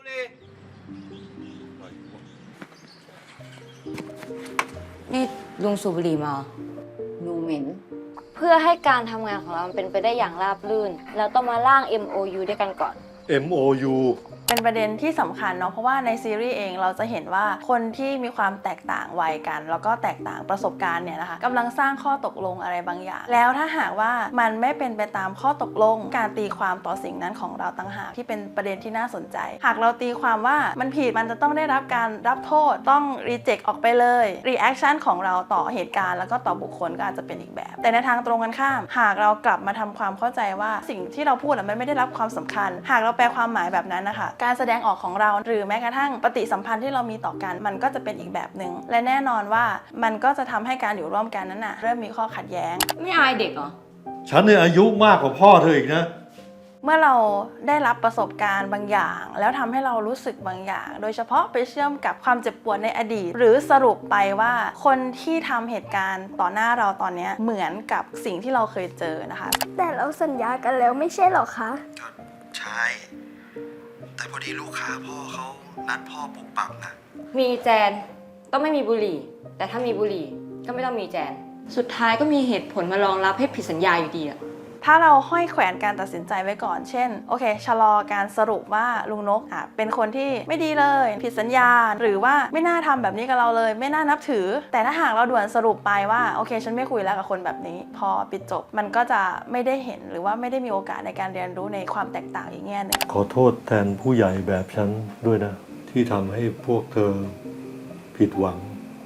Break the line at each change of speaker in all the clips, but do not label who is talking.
นี่ลุงสูบบุหรี่มาดูเหม็นเพื่อให้การทำงานของเราเป็นไปได้อย่างราบรื่นเราต้องมาร่าง MOU ด้วยกันก่อน
MOU
เป็นประเด็นที่สำคัญเนาะเพราะว่าในซีรีส์เองเราจะเห็นว่าคนที่มีความแตกต่างวัยกัน แล้วก็แตกต่างประสบการณ์เนี่ยนะคะกำลังสร้างข้อตกลงอะไรบางอย่างแล้วถ้าหากว่ามันไม่เป็นไปตามข้อตกลงการตีความต่อสิ่งนั้นของเราต่างหากที่เป็นประเด็นที่น่าสนใจหากเราตีความว่ามันผิดมันจะต้องได้รับการรับโทษต้องรีเจ็คออกไปเลยรีแอคชั่นของเราต่อเหตุการณ์แล้วก็ต่อบุคคลก็อาจจะเป็นอีกแบบแต่ในทางตรงกันข้ามหากเรากลับมาทำความเข้าใจว่าสิ่งที่เราพูดมันไม่ได้รับความสำคัญหากเราแปลความหมายแบบนั้นนะคะการแสดงออกของเราหรือแม้กระทั่งปฏิสัมพันธ์ที่เรามีต่อกันมันก็จะเป็นอีกแบบหนึ่งและแน่นอนว่ามันก็จะทำให้การอยู่ร่วมกันนั้นเริ่มมีข้อขัดแย้ง
ไม่อายเด็กเหรอ
ฉันเนี่ยอายุมากกว่าพ่อเธออีกนะ
เมื่อเราได้รับประสบการณ์บางอย่างแล้วทำให้เรารู้สึกบางอย่างโดยเฉพาะไปเชื่อมกับความเจ็บปวดในอดีตหรือสรุปไปว่าคนที่ทำเหตุการณ์ต่อหน้าเราตอนนี้เหมือนกับสิ่งที่เราเคยเจอนะคะ
แต่เราสัญญากันแล้วไม่ใช่หรอคะ
ก็ใช่แต่พอดีลูกค้าพ่อเขานัดพ่อปุบปับนะ
มีแจนต้องไม่มีบุหรี่แต่ถ้ามีบุหรี่ก็ไม่ต้องมีแจนสุดท้ายก็มีเหตุผลมารองรับให้ผิดสัญญาอยู่ดีอะ
ถ้าเราห้อยแขวนการตัดสินใจไว้ก่อนเช่นโอเคชะลอการสรุปว่าลุงนกเป็นคนที่ไม่ดีเลยผิดสัญญาหรือว่าไม่น่าทำแบบนี้กับเราเลยไม่น่านับถือแต่ถ้าหากเราด่วนสรุปไปว่าโอเคฉันไม่คุยแล้วกับคนแบบนี้พอปิดจบมันก็จะไม่ได้เห็นหรือว่าไม่ได้มีโอกาสในการเรียนรู้ในความแตกต่างอีกแง่หนึ่ง
ขอโทษแทนผู้ใหญ่แบบฉันด้วยนะที่ทำให้พวกเธอผิดหวัง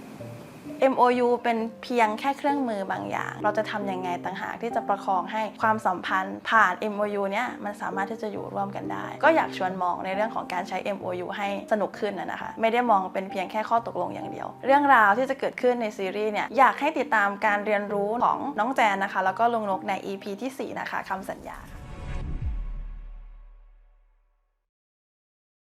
MOU เป็นเพียงแค่เครื่องมือบางอย่างเราจะทำยังไงต่างหากที่จะประคองให้ความสัมพันธ์ผ่าน MOU เนี้ยมันสามารถที่จะอยู่ร่วมกันได้ก็อยากชวนมองในเรื่องของการใช้ MOU ให้สนุกขึ้นนะคะไม่ได้มองเป็นเพียงแค่ข้อตกลงอย่างเดียวเรื่องราวที่จะเกิดขึ้นในซีรีส์เนี่ยอยากให้ติดตามการเรียนรู้ของน้องแจนนะคะแล้วก็ลุงนกใน EP ที่ 4 นะคะคำสัญญา